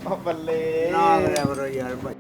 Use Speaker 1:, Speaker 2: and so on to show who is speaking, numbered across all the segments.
Speaker 1: ਬੱਲੇ
Speaker 2: ਨਾ ਕਰਿਆ ਕਰੋ ਯਾਰ ਭਾਈ।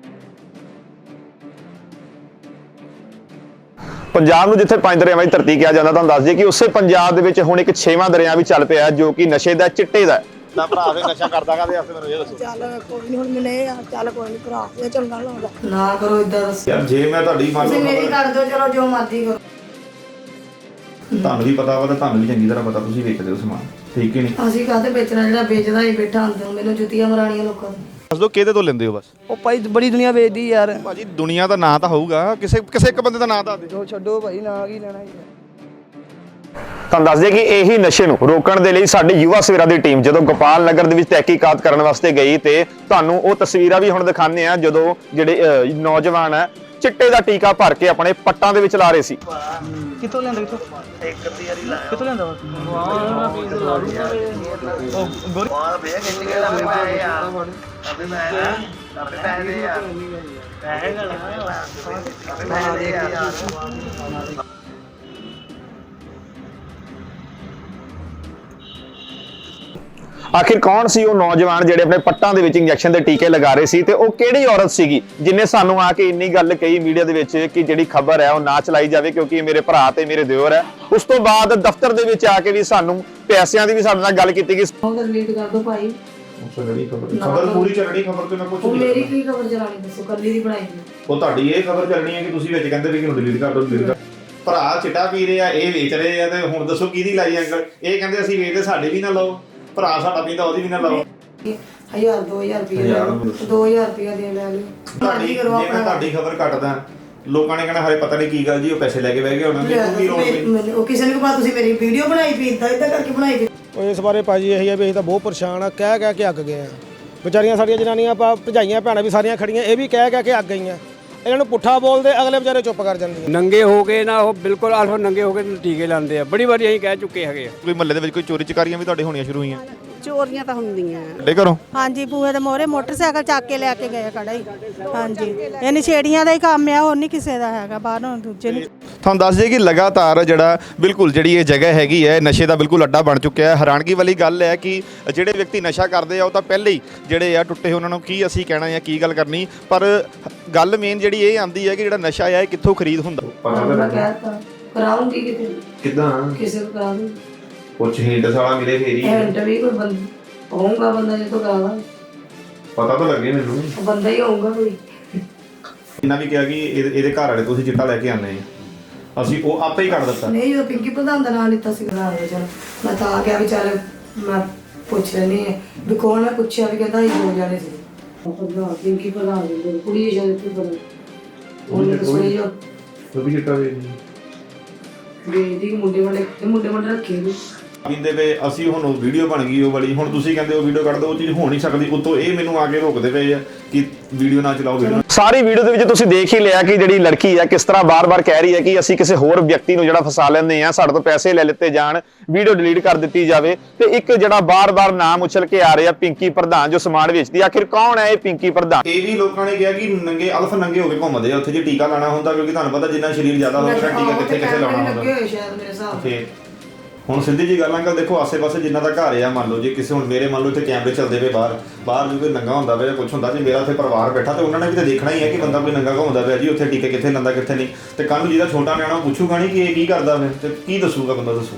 Speaker 1: ਪੰਜਾਬ ਨੂੰ ਜਿੱਥੇ ਪੰਜ ਦਰਿਆਵਾਂ ਦੀ ਧਰਤੀ ਕਿਹਾ ਜਾਂਦਾ, ਤੁਹਾਨੂੰ ਦੱਸ ਦਈਏ ਕਿ ਉਸੇ ਪੰਜਾਬ ਦੇ ਵਿੱਚ ਹੁਣ ਇੱਕ 6ਵਾਂ ਦਰਿਆ ਵੀ ਚੱਲ ਪਿਆ ਜੋ ਕਿ ਨਸ਼ੇ ਦਾ, ਚਿੱਟੇ ਦਾ। ਤਾਂ ਭਰਾ ਫੇ ਨਸ਼ਾ ਕਰਦਾ ਕਾਹਦੇ ਵਾਸਤੇ ਮੈਨੂੰ ਇਹ ਦੱਸੋ।
Speaker 3: ਚੱਲ ਕੋਈ ਨਹੀਂ, ਹੁਣ ਮਿਲੇ ਆ, ਚੱਲ ਕੋਈ ਨਹੀਂ ਭਰਾ, ਇਹ ਚੰਗਾ ਲੱਗਦਾ ਨਾ ਕਰੋ ਇਦਾਂ ਦੱਸ।
Speaker 1: ਯਾਰ ਜੇ ਮੈਂ ਤੁਹਾਡੀ ਮੰਨ
Speaker 3: ਤੁਸੀਂ
Speaker 1: ਲਓ
Speaker 3: ਮੇਰੀ ਕਰ ਦਿਓ, ਚਲੋ ਜੋ ਮਰਜ਼ੀ ਕਰੋ।
Speaker 1: ਤੁਹਾਨੂੰ ਵੀ ਪਤਾ ਵਾ ਤਾਂ ਤੁਹਾਨੂੰ ਵੀ ਚੰਗੀ ਤਰ੍ਹਾਂ ਪਤਾ, ਤੁਸੀਂ ਵੇਚਦੇ ਹੋ ਸਮਾਨ, ਠੀਕ ਹੀ ਨਹੀਂ।
Speaker 3: ਅਸੀਂ ਕਾਹਤੇ ਵੇਚਣਾ, ਜਿਹੜਾ ਵੇਚਦਾ ਹੀ ਬੈਠਾ ਅੰਦਰ, ਮੈਨੂੰ ਜੁੱਤੀਆਂ ਮਰਾਣੀਆਂ ਲੋਕਾਂ ਨੂੰ।
Speaker 1: ਦੱਸ ਦੋ ਕਿਹਦੇ ਤੋਂ ਲੈਂਦੇ ਹੋ ਬਸ।
Speaker 4: ਉਹ ਭਾਈ ਬੜੀ ਦੁਨੀਆ ਵੇਚਦੀ ਯਾਰ।
Speaker 1: ਭਾਜੀ ਦੁਨੀਆ ਦਾ ਨਾਂ ਤਾਂ ਹੋਊਗਾ, ਕਿਸੇ ਇੱਕ ਬੰਦੇ ਦਾ ਨਾਂ ਦੱਸ ਦੇ।
Speaker 4: ਜੋ ਛੱਡੋ ਭਾਈ, ਨਾ ਕੀ ਲੈਣਾ ਯਾਰ।
Speaker 1: ਤੁਹਾਨੂੰ ਦੱਸ ਦਈਏ ਕਿ ਇਹੀ ਨਸ਼ੇ ਨੂੰ ਰੋਕਣ ਦੇ ਲਈ ਸਾਡੀ ਯੁਵਾ ਸਵੇਰਾ ਦੀ ਟੀਮ ਜਦੋਂ ਗੋਪਾਲ ਨਗਰ ਦੇ ਵਿੱਚ ਤਹਿਕੀਕਾਤ ਕਰਨ ਵਾਸਤੇ ਗਈ ਤੇ ਤੁਹਾਨੂੰ ਉਹ ਤਸਵੀਰਾਂ ਵੀ ਹੁਣ ਦਿਖਾਉਂਦੇ ਆ ਜਦੋਂ ਜਿਹੜੇ ਨੌਜਵਾਨ ਹੈ ਚਿੱਟੇ ਦਾ ਟੀਕਾ ਭਰ ਕੇ ਆਪਣੇ ਪੱਟਾਂ ਦੇ ਵਿੱਚ ਲਾ ਰਹੇ ਸੀ।
Speaker 4: ਕਿੱਥੋਂ ਲੈਂਦਾ ਇੱਕ ਅੱਧੀ ਵਾਰੀ ਲਾਇਆ। ਕਿੱਥੋਂ ਲੈਂਦਾ ਵਾ? ਵਾਹ ਪੀਸ ਲਾ ਲੂਗਾ ਉਹ ਗੋਰੀ ਵਾਹ ਭਈਆ ਕਿੰਨੇ ਕੇ ਲਾਇਆ ਯਾਰ। ਅਬੇ ਮੈਂ ਅਬੇ ਪੈਸੇ ਯਾਰ ਪੈਸੇ ਲਾ ਦੇ ਯਾਰ।
Speaker 1: ਆਖਿਰ ਕੌਣ ਸੀ ਉਹ ਨੌਜਵਾਨ ਜਿਹੜੇ ਆਪਣੇ ਪੱਟਾਂ ਦੇ ਵਿੱਚ ਇੰਜੈਕਸ਼ਨ ਦੇ ਟੀਕੇ ਲਗਾ ਰਹੇ ਸੀ ਤੇ ਉਹ ਕਿਹੜੀ ਔਰਤ ਸੀਗੀ ਜਿਨੇ ਸਾਨੂੰ ਆ ਕੇ ਇੰਨੀ ਗੱਲ ਕਹੀ ਮੀਡੀਆ ਦੇ ਵਿੱਚ ਕਿ ਜਿਹੜੀ ਖਬਰ ਹੈ ਉਹ ਨਾ ਚਲਾਈ ਜਾਵੇ ਕਿਉਂਕਿ ਇਹ ਮੇਰੇ ਭਰਾ ਤੇ ਮੇਰੇ ਦਿਓਰ ਹੈ। ਉਸ ਤੋਂ ਬਾਅਦ ਦਫ਼ਤਰ ਦੇ ਵਿੱਚ ਆ ਕੇ ਵੀ ਸਾਨੂੰ ਪੈਸਿਆਂ ਦੀ ਵੀ ਸਾਡੇ ਨਾਲ ਗੱਲ ਕੀਤੀ ਗਈ।
Speaker 3: ਉਹ ਤਾਂ ਡਿਲੀਟ ਕਰ ਦੋ ਭਾਈ।
Speaker 1: ਖਬਰ ਪੂਰੀ ਚੱਲਣੀ, ਖਬਰ ਤੇ ਮੈਂ ਕੁਝ
Speaker 3: ਉਹ ਮੇਰੀ ਕੀ ਖਬਰ ਚਲਾਣੀ ਦੱਸੋ, ਕੱਲੀ ਦੀ ਬਣਾਈ ਦੀ।
Speaker 1: ਉਹ ਤੁਹਾਡੀ ਇਹ ਖਬਰ ਚੱਲਣੀ ਹੈ ਕਿ ਤੁਸੀਂ ਵਿੱਚ ਕਹਿੰਦੇ ਵੀ ਕਿ ਡਿਲੀਟ ਕਰ ਦਿਓ, ਡਿਲੀਟ ਕਰ। ਭਰਾ ਚਿੱਟਾ ਪੀ ਰਹੇ ਆ, ਇਹ ਵੇਚ ਰਹੇ ਆ ਤੇ ਹੁਣ ਦੱਸੋ ਕਿਹਦੀ ਲਾਈ ਅੰਕਲ। ਇਹ ਕਹਿੰਦੇ ਅਸੀਂ ਵੇਚਦੇ, ਸਾਡੇ ਵੀ ਨਾ ਲਾਓ। ਭਰਾ ਸਾਡਾ ਪੀਂਦਾ, ਉਹਦੀ ਵੀ ਨਾ ਲਾਓ।
Speaker 3: 1000 2000 ਰੁਪਏ 2000 ਰੁਪਏ ਦੇ ਲੈ ਲਿਓ। ਮਰਜ਼ੀ ਕਰੋ
Speaker 1: ਜੇ ਮੈਂ ਤੁਹਾਡੀ ਖਬਰ ਕੱਟਦਾ ਲੋਕਾਂ ਨੇ ਕਹਿਣਾ ਹਰੇ ਪਤਾ ਨਹੀਂ ਕੀ ਗੱਲ ਜੀ, ਉਹ ਪੈਸੇ ਲੈ ਕੇ ਬਹਿ ਗਏ ਉਹਨਾਂ ਨੇ।
Speaker 3: ਉਹ ਕਿਸੇ ਨੇ ਕਹਾ ਤੁਸੀਂ ਮੇਰੀ ਵੀਡੀਓ ਬਣਾਈ ਪੀ ਇਦਾਂ ਕਰਕੇ ਬਣਾਈ ਪੀ।
Speaker 5: ਉਹ ਇਸ ਬਾਰੇ ਭਾਜੀ ਇਹੀ ਹੈ ਵੀ ਅਸੀਂ ਤਾਂ ਬਹੁਤ ਪਰੇਸ਼ਾਨ ਆ, ਕਹਿ ਕੇ ਅੱਕ ਗਏ ਆ। ਵਿਚਾਰੀਆਂ ਸਾਡੀਆਂ ਜਨਾਨੀਆਂ ਭਜਾਈਆਂ ਭੈਣਾਂ ਵੀ ਸਾਰੀਆਂ ਖੜੀਆਂ, ਇਹ ਵੀ ਕਹਿ ਕੇ ਅੱਕ ਗਈਆਂ। ਇਹਨਾਂ ਨੂੰ ਪੁੱਠਾ ਬੋਲਦੇ, ਅਗਲੇ ਵਿਚਾਰੇ ਚੁੱਪ ਕਰ ਜਾਂਦੇ।
Speaker 2: ਨੰਗੇ ਹੋ ਕੇ ਨਾ ਉਹ ਬਿਲਕੁਲ ਆਲਫਾ ਨੰਗੇ ਹੋ ਕੇ ਟੀਕੇ ਲਾਉਂਦੇ ਆ। ਬੜੀ ਵਾਰੀ ਅਸੀਂ ਕਹਿ ਚੁੱਕੇ ਹੈਗੇ ਆ।
Speaker 1: ਕੋਈ ਮਹੱਲੇ ਦੇ ਵਿੱਚ ਕੋਈ ਚੋਰੀ ਚਕਾਰੀਆਂ ਵੀ ਤੁਹਾਡੇ ਹੋਣੀਆਂ ਸ਼ੁਰੂ ਹੋਈਆਂ?
Speaker 6: ਚੋਰੀਆਂ ਤਾਂ ਹੁੰਦੀਆਂ
Speaker 1: ਡੇ ਕਰੋ।
Speaker 6: ਹਾਂਜੀ, ਬੂਹੇ ਦੇ ਮੋਹਰੇ ਮੋਟਰਸਾਈਕਲ ਚੱਕ ਕੇ ਲੈ ਕੇ ਗਏ ਖੜਾ ਹੀ। ਹਾਂਜੀ, ਇਹ ਨਸ਼ੇੜੀਆਂ ਦਾ ਹੀ ਕੰਮ ਆ, ਹੋਰ ਨਹੀਂ ਕਿਸੇ ਦਾ ਹੈਗਾ, ਬਾਹਰੋਂ ਦੂਜੇ ਨਹੀਂ।
Speaker 1: ਤੁਹਾਨੂੰ ਦੱਸ ਦਈਏ ਕਿ ਲਗਾਤਾਰ ਜਿਹੜਾ ਬਿਲਕੁਲ ਜਿਹੜੀ ਇਹ ਜਗ੍ਹਾ ਹੈਗੀ ਹੈ ਨਸ਼ੇ ਦਾ ਬਿਲਕੁਲ ਅੱਡਾ ਬਣ ਚੁੱਕਿਆ ਹੈ। ਹੈਰਾਨਗੀ ਵਾਲੀ ਗੱਲ ਹੈ ਕਿ ਜਿਹੜੇ ਵਿਅਕਤੀ ਨਸ਼ਾ ਕਰਦੇ ਆ ਉਹ ਤਾਂ ਪਹਿਲੇ ਹੀ ਜਿਹੜੇ ਆ ਟੁੱਟੇ, ਉਹਨਾਂ ਨੂੰ ਕੀ ਅਸੀਂ ਕਹਿਣਾ ਜਾਂ ਕੀ ਗੱਲ ਕਰਨੀ। ਪਰ ਗੱਲ ਮੇਨ ਜਿਹੜੀ ਇਹ ਆਉਂਦੀ ਹੈ ਕਿ ਜਿਹੜਾ ਨਸ਼ਾ ਆ ਇਹ ਕਿੱਥੋਂ ਖਰੀਦ ਹੁੰਦਾ।
Speaker 3: ਮੈਂ ਕਹਿਤਾ ਕਰਾਉਂਗੀ ਕਿਤੇ,
Speaker 1: ਕਿੱਦਾਂ
Speaker 3: ਕਿਸੇ ਨੂੰ ਕਰਾ ਦੂੰ।
Speaker 1: ਕੁਛ ਹਿੰਟ ਸਾਲਾ ਮਿਲੇ ਫੇਰ ਹੀ
Speaker 3: ਐਂਡ ਵੀ ਕੋਈ ਬੰਦਾ ਹੋਊਗਾ, ਬੰਦਾ ਜਦੋਂ ਕਰਾਵਾ
Speaker 1: ਪਤਾ ਤਾਂ ਲੱਗੇ ਮੈਨੂੰ।
Speaker 3: ਬੰਦਾ ਹੀ ਹੋਊਗਾ ਕੋਈ।
Speaker 1: ਇਹਨਾਂ ਵੀ ਕਿਹਾ ਕਿ ਇਹਦੇ ਘਰ ਵਾਲੇ ਤੁਸੀਂ ਚਿੱਟਾ ਲੈ ਕੇ ਆਉਂਦੇ ਆ, ਅਸੀਂ ਉਹ ਆਪੇ ਹੀ ਕੱਢ ਦਿੱਤਾ।
Speaker 3: ਨਹੀਂ, ਜਦੋਂ ਪਿੰਕੀ ਪ੍ਰਧਾਨ ਦਾ ਨਾਂ ਲਿੱਤਾ ਸੀ ਬਣਾ ਦੇ, ਚਲ ਮੈਂ ਤਾਂ ਆ ਗਿਆ ਵੀ ਚੱਲ ਮੈਂ ਪੁੱਛ ਲੈਣੀ ਹੈ ਵੀ ਕੌਣ। ਮੈਂ ਪੁੱਛਿਆ ਵੀ ਕਹਿੰਦਾ ਇਹ ਹੋ ਜਾਣੇ ਸੀ ਪ੍ਰਧਾਨ, ਪਿੰਕੀ ਪ੍ਰਧਾਨ ਦੀ ਕੁੜੀ ਜਦ ਤੂੰ ਬਣਾ ਉਹਨੇ ਤਾਂ ਸੁਣੀ ਜੋ
Speaker 1: ਉਹ ਵੀ ਚਿੱਟਾ ਵੇਚਦੀ
Speaker 3: ਦੀ ਮੁੰਡੇ ਰੱਖੇ ਵੀ।
Speaker 1: ਕਹਿੰਦੇ ਵੇ ਅਸੀਂ ਹੁਣ ਉਹ ਵੀਡੀਓ ਬਣ ਗਈ ਉਹ ਵਾਲੀ, ਹੁਣ ਤੁਸੀਂ ਕਹਿੰਦੇ ਉਹ ਵੀਡੀਓ ਕੱਢ ਦਿਓ, ਉਹ ਚੀਜ਼ ਹੋ ਨਹੀਂ ਸਕਦੀ। ਉੱਤੋਂ ਇਹ ਮੈਨੂੰ ਆ ਕੇ ਰੋਕਦੇ ਪਏ ਆ ਕਿ ਵੀਡੀਓ ਨਾ ਚਲਾਓ। ਵੀਡੀਓ ਸਾਰੀ ਵੀਡੀਓ ਦੇ ਵਿੱਚ ਤੁਸੀਂ ਦੇਖ ਹੀ ਲਿਆ ਕਿ ਜਿਹੜੀ ਲੜਕੀ ਹੈ ਕਿਸ ਤਰ੍ਹਾਂ ਬਾਰ-ਬਾਰ ਕਹਿ ਰਹੀ ਹੈ ਕਿ ਅਸੀਂ ਕਿਸੇ ਹੋਰ ਵਿਅਕਤੀ ਨੂੰ ਜਿਹੜਾ ਫਸਾ ਲੈਂਦੇ ਆ, ਸਾਡੇ ਤੋਂ ਪੈਸੇ ਲੈ ਲਿੱਤੇ ਜਾਣ, ਵੀਡੀਓ ਡਿਲੀਟ ਕਰ ਦਿੱਤੀ ਜਾਵੇ। ਤੇ ਇੱਕ ਜਿਹੜਾ ਬਾਰ-ਬਾਰ ਨਾਮ ਉਛਲ ਕੇ ਆ ਰਿਹਾ ਪਿੰਕੀ ਪ੍ਰਧਾਨ ਜੋ ਸਮਾਨ ਵੇਚਦੀ, ਆਖਿਰ ਕੌਣ ਹੈ ਇਹ ਪਿੰਕੀ ਪ੍ਰਧਾਨ? ਇਹ ਵੀ ਲੋਕਾਂ ਨੇ ਕਿਹਾ ਕਿ ਨੰਗੇ ਅਲਫ ਨੰਗੇ ਹੋ ਕੇ ਘੁੰਮਦੇ ਆ ਉੱਥੇ ਜੇ ਟੀਕਾ ਲਾਣਾ ਹੁੰਦਾ, ਕਿਉਂਕਿ ਤੁਹਾਨੂੰ ਪਤਾ ਜਿੰਨਾ ਸਰੀਰ ਜ਼ਿਆਦਾ ਹੋਵੇਗਾ ਟੀਕਾ ਕਿੱਥੇ ਲਾਉਣਾ ਹੁੰਦਾ।
Speaker 3: ਸ਼ਾਇਦ ਮੇਰੇ ਹਿਸਾਬ ਨਾਲ
Speaker 1: ਹੁਣ ਸਿੱਧੀ ਜੀ ਗੱਲ ਅੰਕਲ ਦੇਖੋ, ਆਸੇ-ਪਾਸੇ ਜਿੰਨਾ ਦਾ ਘਰ ਆ, ਮੰਨ ਲਓ ਜੇ ਕਿਸੇ ਹੁਣ ਮੇਰੇ ਮੰਨ ਲਓ ਇੱਥੇ ਕੈਮਰੇ ਚੱਲਦੇ ਪਏ ਬਾਹਰ ਜੇ ਕੋਈ ਨੰਗਾ ਹੁੰਦਾ ਪਿਆ ਜਾਂ ਕੁਛ ਹੁੰਦਾ, ਜੇ ਮੇਰਾ ਉੱਥੇ ਪਰਿਵਾਰ ਬੈਠਾ ਤੇ ਉਹਨਾਂ ਨੇ ਵੀ ਤਾਂ ਦੇਖਣਾ ਹੀ ਹੈ ਕਿ ਬੰਦਾ ਕੋਈ ਨੰਗਾ ਘੁੰਮਦਾ ਪਿਆ ਜੀ, ਉੱਥੇ ਟੀਕੇ ਕਿੱਥੇ ਲਾਉਂਦਾ ਕਿੱਥੇ ਨਹੀਂ। ਤੇ ਕੱਲ ਨੂੰ ਜਿਹਦਾ ਛੋਟਾ ਨਿਆਣਾ ਪੁੱਛੂਗਾ ਨਹੀਂ ਕਿ ਇਹ ਕੀ ਕਰਦਾ ਫਿਰ, ਤੇ ਕੀ ਦੱਸੂਗਾ ਬੰਦਾ, ਦੱਸੋ।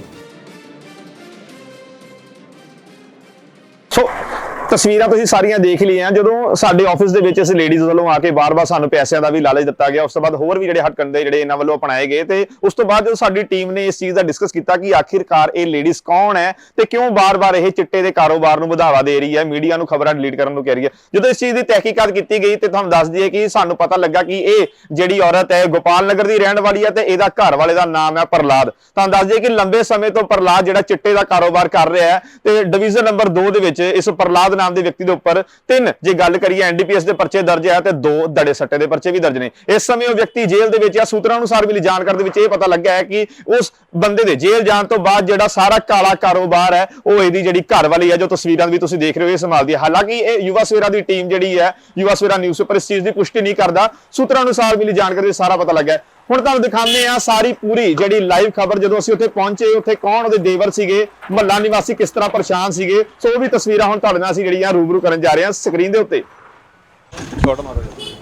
Speaker 1: ਸੋ ਤਸਵੀਰਾਂ ਤੁਸੀਂ ਸਾਰੀਆਂ ਦੇਖ ਲਈਆਂ। ਜਦੋਂ ਸਾਡੇ ਆਫਿਸ ਦੇ ਵਿੱਚ ਇਸ ਲੇਡੀਜ਼ ਵੱਲੋਂ ਆ ਕੇ ਬਾਰ-ਬਾਰ ਸਾਨੂੰ ਪੈਸਿਆਂ ਦਾ ਵੀ ਲਾਲਚ ਦਿੱਤਾ ਗਿਆ, ਉਸ ਤੋਂ ਬਾਅਦ ਹੋਰ ਵੀ ਜਿਹੜੇ ਹੱਟਕੰਡੇ ਜਿਹੜੇ ਇਹਨਾਂ ਵੱਲੋਂ ਅਪਣਾਏ ਗਏ ਤੇ ਉਸ ਤੋਂ ਬਾਅਦ ਜਦੋਂ ਸਾਡੀ ਟੀਮ ਨੇ ਇਸ ਚੀਜ਼ ਦਾ ਡਿਸਕਸ ਕੀਤਾ ਕਿ ਆਖਿਰਕਾਰ ਇਹ ਲੇਡੀਜ਼ ਕੌਣ ਹੈ ਤੇ ਕਿਉਂ ਬਾਰ-ਬਾਰ ਇਹ ਚਿੱਟੇ ਦੇ ਕਾਰੋਬਾਰ ਨੂੰ ਵਧਾਵਾ ਦੇ ਰਹੀ ਹੈ, ਮੀਡੀਆ ਨੂੰ ਖਬਰਾਂ ਡਿਲੀਟ ਕਰਨ ਨੂੰ ਕਹਿ ਰਹੀ ਹੈ। ਜਦੋਂ ਇਸ ਚੀਜ਼ ਦੀ ਤਹਿਕੀਕਾਤ ਕੀਤੀ ਗਈ ਤੇ ਤੁਹਾਨੂੰ ਦੱਸ ਦਈਏ ਕਿ ਸਾਨੂੰ ਪਤਾ ਲੱਗਾ ਕਿ ਇਹ ਜਿਹੜੀ ਔਰਤ ਹੈ ਗੋਪਾਲ ਨਗਰ ਦੀ ਰਹਿਣ ਵਾਲੀ ਹੈ ਤੇ ਇਹਦਾ ਘਰ ਵਾਲੇ ਦਾ ਨਾਮ ਹੈ ਪ੍ਰਲਾਦ। ਤੁਹਾਨੂੰ ਦੱਸ ਦਈਏ ਕਿ ਲੰਬੇ ਸਮੇਂ ਤੋਂ ਪ੍ਰਲਾਦ ਜਿਹੜਾ ਚਿੱਟੇ ਦਾ ਕਾਰੋਬਾਰ ਕਰ ਰਿਹਾ ਹੈ ਤੇ ਡਿਵੀਜ਼ਨ ਨੰਬਰ 2 ਦੇ ਵਿੱਚ ਇਸ ਪ੍ਰਲਾਦ ਨਾਮ ਦੇ ਵਿਅਕਤੀ ਦੇ ਉੱਪਰ 3 ਜੇ ਗੱਲ ਕਰੀਏ ਐਨਡੀਪੀਐਸ ਦੇ ਪਰਚੇ ਦਰਜ ਹੈ ਤੇ 2 ਦੜੇ ਸੱਟੇ ਦੇ ਪਰਚੇ ਵੀ ਦਰਜ ਨੇ। ਇਸ ਸਮੇਂ ਉਹ ਵਿਅਕਤੀ ਜੇਲ੍ਹ ਦੇ ਵਿੱਚ ਆ। ਸੂਤਰਾਂ ਅਨੁਸਾਰ ਮਿਲੀ ਜਾਣਕਾਰੀ ਦੇ ਵਿੱਚ ਇਹ ਪਤਾ ਲੱਗਾ ਹੈ ਕਿ ਉਸ ਬੰਦੇ ਦੇ ਜੇਲ੍ਹ ਜਾਣ ਤੋਂ ਬਾਅਦ ਜਿਹੜਾ ਸਾਰਾ ਕਾਲਾ ਕਾਰੋਬਾਰ ਹੈ ਉਹ ਇਹਦੀ ਜਿਹੜੀ ਘਰ ਵਾਲੀ ਹੈ ਜੋ ਤਸਵੀਰਾਂ ਵੀ ਤੁਸੀਂ ਦੇਖ ਰਹੇ ਹੋ ਇਹ ਸੰਭਾਲਦੀ ਹੈ। ਹਾਲਾਂਕਿ ਇਹ ਯੁਵਾ ਸਵੇਰਾ ਦੀ ਟੀਮ ਜਿਹੜੀ ਹੈ, ਯੁਵਾ ਸਵੇਰਾ ਨਿਊਜ਼ ਉੱਪਰ ਇਸ ਚੀਜ਼ ਦੀ ਪੁਸ਼ਟੀ ਨਹੀਂ ਕਰਦਾ। ਸੂਤਰਾਂ ਅਨੁਸਾਰ ਮਿਲੀ ਜਾਣਕਾਰੀ ਸਾਰਾ ਪਤਾ ਲੱਗਾ ਹੈ। ਹੁਣ ਤੁਹਾਨੂੰ ਦਿਖਾਉਂਦੇ ਆ ਸਾਰੀ ਪੂਰੀ ਜਿਹੜੀ ਲਾਈਵ ਖਬਰ। ਜਦੋਂ ਅਸੀਂ ਉੱਥੇ ਪਹੁੰਚੇ, ਉੱਥੇ ਕੌਣ ਉਹਦੇ ਦੇਵਰ ਸੀਗੇ, ਮਹੱਲਾ ਨਿਵਾਸੀ ਕਿਸ ਤਰ੍ਹਾਂ ਪਰੇਸ਼ਾਨ ਸੀਗੇ, ਸੋ ਉਹ ਵੀ ਤਸਵੀਰਾਂ ਹੁਣ ਤੁਹਾਡੇ ਨਾਲ ਅਸੀਂ ਜਿਹੜੀਆਂ ਰੂਬਰੂ ਕਰਨ ਜਾ ਰਹੇ ਹਾਂ ਸਕਰੀਨ ਦੇ ਉੱਤੇ। ਛੋਟ ਮਾਰੋ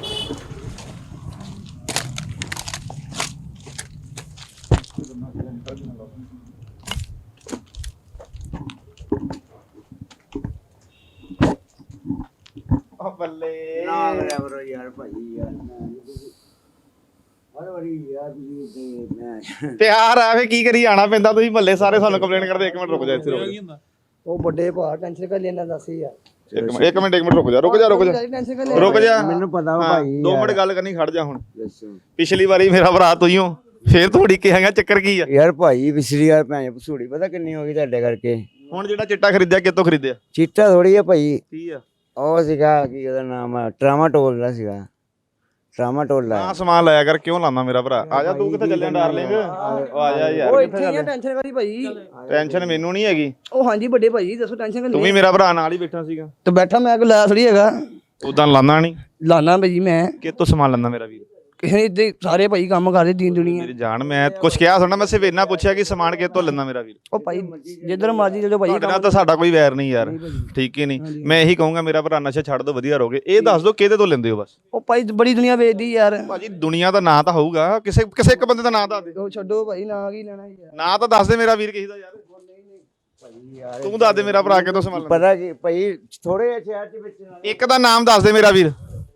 Speaker 1: ਬੱਲੇ
Speaker 7: ਨਾ ਕਰਿਆ ਕਰੋ ਯਾਰ ਭਾਈ ਯਾਰ ਹਰ ਵਾਰੀ ਯਾਰ ਤੁਸੀਂ ਤੇ ਮੈਂ
Speaker 1: ਪਿਆਰ ਆ ਫੇ ਕੀ ਕਰੀ ਆਣਾ ਪੈਂਦਾ। ਤੁਸੀਂ ਮਹੱਲੇ ਸਾਰੇ ਸਾਨੂੰ ਕੰਪਲੇਂਟ ਕਰਦੇ। 1 ਮਿੰਟ ਰੁਕ ਜਾ, ਇੱਥੇ ਰੁਕ ਜਾ।
Speaker 3: ਉਹ ਵੱਡੇ ਭਾ ਟੈਨਸ਼ਨ ਕਰ ਲੈਣਾ ਦੱਸ ਯਾਰ।
Speaker 1: ਇੱਕ ਮਿੰਟ ਰੁਕ ਜਾ
Speaker 3: ਟੈਨਸ਼ਨ ਕਰ
Speaker 1: ਰੁਕ ਜਾ।
Speaker 7: ਮੈਨੂੰ ਪਤਾ ਵਾ ਭਾਈ
Speaker 1: 2 ਮਿੰਟ ਗੱਲ ਕਰਨੀ, ਖੜ ਜਾ। ਹੁਣ
Speaker 7: ਦੱਸੋ
Speaker 1: ਪਿਛਲੀ ਵਾਰੀ ਮੇਰਾ ਭਰਾ ਤੂੰ ਹੀ ਹੋ, ਫੇਰ ਤੁਹਾਡੀ ਕਿਹਾ ਚੱਕਰ ਕੀ ਆ?
Speaker 7: ਯਾਰ ਭਾਈ ਪਿਛਲੀ ਵਾਰ ਭੈਣ ਭਸੂੜੀ ਪਤਾ ਕਿੰਨੀ ਹੋ ਗਈ ਤੁਹਾਡੇ ਕਰਕੇ।
Speaker 1: ਹੁਣ ਜਿਹੜਾ ਚਿੱਟਾ ਖਰੀਦਿਆ ਕਿੱਥੋਂ ਖਰੀਦਿਆ?
Speaker 7: ਚੀਟਾ ਥੋੜੀ ਆ ਭਾਈ,
Speaker 1: ਕੀ ਆ?
Speaker 7: ਉਹ ਸੀਗਾ ਕੀ ਉਹਦਾ ਨਾਮ ਆ, ਟਰਾਮਾਟੋਲ ਦਾ ਸੀਗਾ, ਟਰਾਮਾਟੋਲ ਦਾ।
Speaker 1: ਆ ਸਮਾਨ ਲਾਇਆ ਕਰ, ਕਿਉਂ ਲਾਉਂਦਾ ਮੇਰਾ ਭਰਾ? ਆ ਜਾ, ਤੂੰ ਕਿੱਥੇ ਚੱਲਿਆ ਡਾਰਲਿੰਗ? ਆ ਜਾ ਯਾਰ, ਕਿੱਥੇ ਚੱਲਿਆ?
Speaker 3: ਟੈਨਸ਼ਨ ਕਰੀ ਭਾਈ।
Speaker 1: ਟੈਨਸ਼ਨ ਮੈਨੂੰ ਨਹੀਂ ਹੈਗੀ।
Speaker 3: ਉਹ ਹਾਂਜੀ ਵੱਡੇ ਭਾਈ ਦੱਸੋ ਟੈਨਸ਼ਨ ਕਰ।
Speaker 1: ਤੂੰ ਵੀ ਮੇਰਾ ਭਰਾ ਨਾਲ ਹੀ ਬੈਠਾ ਸੀਗਾ
Speaker 3: ਤੇ ਬੈਠਾ ਮੈਂ ਕੋਈ ਲਾਇਆ ਥੋੜੀ ਹੈਗਾ।
Speaker 1: ਉਦਾਂ ਲਾਉਂਦਾ ਨਹੀਂ।
Speaker 3: ਲਾਣਾ ਭਾਈ ਮੈਂ
Speaker 1: ਕਿੱਥੋਂ ਸਮਾਨ ਲੈਂਦਾ ਮੇਰਾ ਵੀਰ?
Speaker 3: ਕਿਸੇ ਨੇ ਇੱਥੇ ਸਾਰੇ ਭਾਈ ਕੰਮ ਕਰਦੇ ਦੀਨ ਦੁਨੀਆ।
Speaker 1: ਮੇਰੀ ਜਾਨ, ਮੈਂ ਕੁਛ ਕਿਹਾ ਸੁਣਨਾ, ਮੈਂ ਸਿਰਫ ਇੰਨਾ ਪੁੱਛਿਆ ਕਿ ਸਮਾਨ ਕਿੱਥੋਂ ਲੈਂਦਾ ਮੇਰਾ ਵੀਰ।
Speaker 3: ਉਹ ਭਾਈ ਜਿੱਧਰ ਮਰਜੀ ਚਲੋ ਭਾਈ।
Speaker 1: ਤੁਹਾਡੇ ਨਾਲ ਤਾਂ ਸਾਡਾ ਕੋਈ ਵੈਰ ਨਹੀਂ ਯਾਰ, ਠੀਕ ਹੀ ਨਹੀਂ। ਮੈਂ ਇਹੀ ਕਹੂੰਗਾ ਮੇਰਾ ਭਰਾ ਨਸ਼ਾ ਛੱਡ ਦੋ, ਵਧੀਆ ਰਹੋਗੇ। ਇਹ ਦੱਸ ਦੋ ਕਿਹਦੇ ਤੋਂ ਲੈਂਦੇ ਹੋ ਬਸ।
Speaker 3: ਉਹ ਭਾਈ ਬੜੀ ਦੁਨੀਆ ਵੇਚਦੀ ਯਾਰ।
Speaker 1: ਭਾਜੀ ਦੁਨੀਆ ਦਾ ਨਾਂ ਤਾਂ ਹੋਊਗਾ, ਕਿਸੇ ਇੱਕ ਬੰਦੇ ਦਾ ਨਾਂ ਦੱਸ ਦੇ।
Speaker 3: ਉਹ ਛੱਡੋ ਭਾਈ, ਨਾ ਕੀ ਲੈਣਾ ਯਾਰ।
Speaker 1: ਨਾਂ ਤਾਂ ਦੱਸ ਦੇ ਮੇਰਾ ਵੀਰ ਕਿਸੇ ਦਾ ਯਾਰ। ਤੂੰ ਦੱਸ ਦੇ ਮੇਰਾ ਭਰਾ ਕਿੱਥੋਂ ਸਮਾਨ ਲੈਂਦਾ।
Speaker 7: ਪਤਾ ਕੀ ਭਾਈ ਥੋੜੇ ਸ਼ਹਿਰ ਦੇ ਵਿੱਚ
Speaker 1: ਇੱਕ ਦਾ ਨਾਮ ਦੱਸ ਦੇ ਮੇਰਾ ਵੀਰ।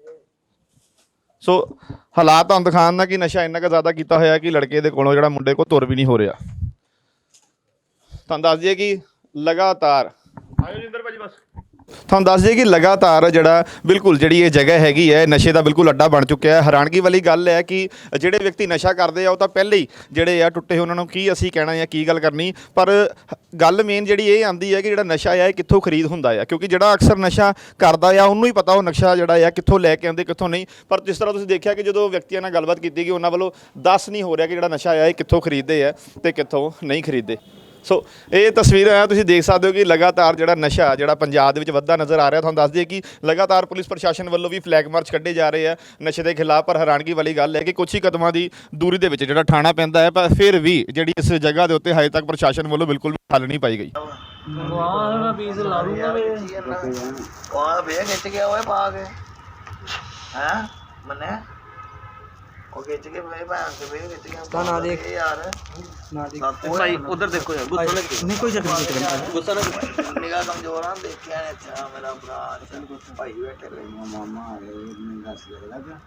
Speaker 1: ਸੋ ਹਾਲਾਤ ਤੁਹਾਨੂੰ ਦਿਖਾਉਣ ਦਾ ਕਿ ਨਸ਼ਾ ਇੰਨਾ ਕੁ ਜ਼ਿਆਦਾ ਕੀਤਾ ਹੋਇਆ ਕਿ ਲੜਕੇ ਦੇ ਕੋਲੋਂ ਜਿਹੜਾ ਮੁੰਡੇ ਕੋਲ ਤੁਰ ਵੀ ਨਹੀਂ ਹੋ ਰਿਹਾ। ਤੁਹਾਨੂੰ ਦੱਸ ਦਈਏ ਕਿ ਲਗਾਤਾਰ ਆਇਓ ਜਿੰਦਰ ਭਾਜੀ ਬਸ। ਤੁਹਾਨੂੰ ਦੱਸ ਦਈਏ ਕਿ ਲਗਾਤਾਰ ਜਿਹੜਾ ਬਿਲਕੁਲ ਜਿਹੜੀ ਇਹ ਜਗ੍ਹਾ ਹੈਗੀ ਹੈ ਨਸ਼ੇ ਦਾ ਬਿਲਕੁਲ ਅੱਡਾ ਬਣ ਚੁੱਕਿਆ ਹੈ। ਹੈਰਾਨਗੀ ਵਾਲੀ ਗੱਲ ਹੈ ਕਿ ਜਿਹੜੇ ਵਿਅਕਤੀ ਨਸ਼ਾ ਕਰਦੇ ਆ ਉਹ ਤਾਂ ਪਹਿਲੇ ਹੀ ਜਿਹੜੇ ਆ ਟੁੱਟੇ, ਉਹਨਾਂ ਨੂੰ ਕੀ ਅਸੀਂ ਕਹਿਣਾ ਜਾਂ ਕੀ ਗੱਲ ਕਰਨੀ। ਪਰ ਗੱਲ ਮੇਨ ਜਿਹੜੀ ਇਹ ਆਉਂਦੀ ਹੈ ਕਿ ਜਿਹੜਾ ਨਸ਼ਾ ਆ ਇਹ ਕਿੱਥੋਂ ਖਰੀਦ ਹੁੰਦਾ ਆ, ਕਿਉਂਕਿ ਜਿਹੜਾ ਅਕਸਰ ਨਸ਼ਾ ਕਰਦਾ ਆ ਉਹਨੂੰ ਹੀ ਪਤਾ ਉਹ ਨਸ਼ਾ ਜਿਹੜਾ ਆ ਕਿੱਥੋਂ ਲੈ ਕੇ ਆਉਂਦੇ ਕਿੱਥੋਂ ਨਹੀਂ। ਪਰ ਜਿਸ ਤਰ੍ਹਾਂ ਤੁਸੀਂ ਦੇਖਿਆ ਕਿ ਜਦੋਂ ਵਿਅਕਤੀਆਂ ਨਾਲ ਗੱਲਬਾਤ ਕੀਤੀ ਗਈ ਉਹਨਾਂ ਵੱਲੋਂ ਦੱਸ ਨਹੀਂ ਹੋ ਰਿਹਾ ਕਿ ਜਿਹੜਾ ਨਸ਼ਾ ਆ ਇਹ ਕਿੱਥੋਂ ਖਰੀਦਦੇ ਆ ਤੇ ਕਿੱਥੋਂ ਨਹੀਂ ਖਰੀਦਦੇ। ਸੋ ਇਹ ਤਸਵੀਰਾਂ ਆ, ਤੁਸੀਂ ਦੇਖ ਸਕਦੇ ਹੋ ਕਿ ਲਗਾਤਾਰ ਜਿਹੜਾ ਨਸ਼ਾ ਜਿਹੜਾ ਪੰਜਾਬ ਦੇ ਵਿੱਚ ਵੱਧਦਾ ਨਜ਼ਰ ਆ ਰਿਹਾ। ਤੁਹਾਨੂੰ ਦੱਸ ਦਈਏ ਕਿ ਲਗਾਤਾਰ ਪੁਲਿਸ ਪ੍ਰਸ਼ਾਸਨ ਵੱਲੋਂ ਵੀ ਫਲੈਗ ਮਾਰਚ ਕੱਢੇ ਜਾ ਰਹੇ ਆ ਨਸ਼ੇ ਦੇ ਖਿਲਾਫ। ਪਰ ਹੈਰਾਨਗੀ ਵਾਲੀ ਗੱਲ ਹੈ ਕਿ ਕੁਝ ਹੀ ਕਦਮਾਂ ਦੀ ਦੂਰੀ ਦੇ ਵਿੱਚ ਜਿਹੜਾ ਥਾਣਾ ਪੈਂਦਾ ਹੈ, ਪਰ ਫਿਰ ਵੀ ਜਿਹੜੀ ਇਸ ਜਗ੍ਹਾ ਦੇ ਉੱਤੇ ਹਜੇ ਤੱਕ ਪ੍ਰਸ਼ਾਸਨ ਵੱਲੋਂ ਬਿਲਕੁਲ ਵੀ ਹੱਲ ਨਹੀਂ ਪਾਈ ਗਈ।
Speaker 4: ਵਾਹ ਪੀਸ ਲਾ ਲੂੰਗਾ ਵੇ ਵਾਹ ਵੇ ਖਿੱਚ ਗਿਆ ਓਏ ਪਾ ਕੇ ਹੈ ਮੰਨੇ ਉਹ ਖਿੱਚ ਕੇ ਵੇ ਭਾਂ ਕੇ ਵੇ ਖਿੱਚ ਗਿਆ ਤਾਂ ਨਾ ਦੇਖ ਯਾਰ ਨਾ ਦੇਖ ਭਾਈ ਉਧਰ ਦੇਖੋ ਯਾਰ ਗੁੱਸਾ ਲੱਗ ਗਿਆ ਨਹੀਂ ਕੋਈ ਚੱਕਰ ਨਹੀਂ ਗੁੱਸਾ ਨਾ ਨਿਗਾਹ ਕਮਜ਼ੋਰ ਆ ਦੇਖਿਆ ਨੇ ਅੱਛਾ ਮੇਰਾ ਭਰਾ ਭਾਈ ਬੈਠੇ ਰਹੇ
Speaker 7: ਮਾਮਾ ਆ ਗਏ ਮੈਨੂੰ ਦੱਸ ਲੱਗਾ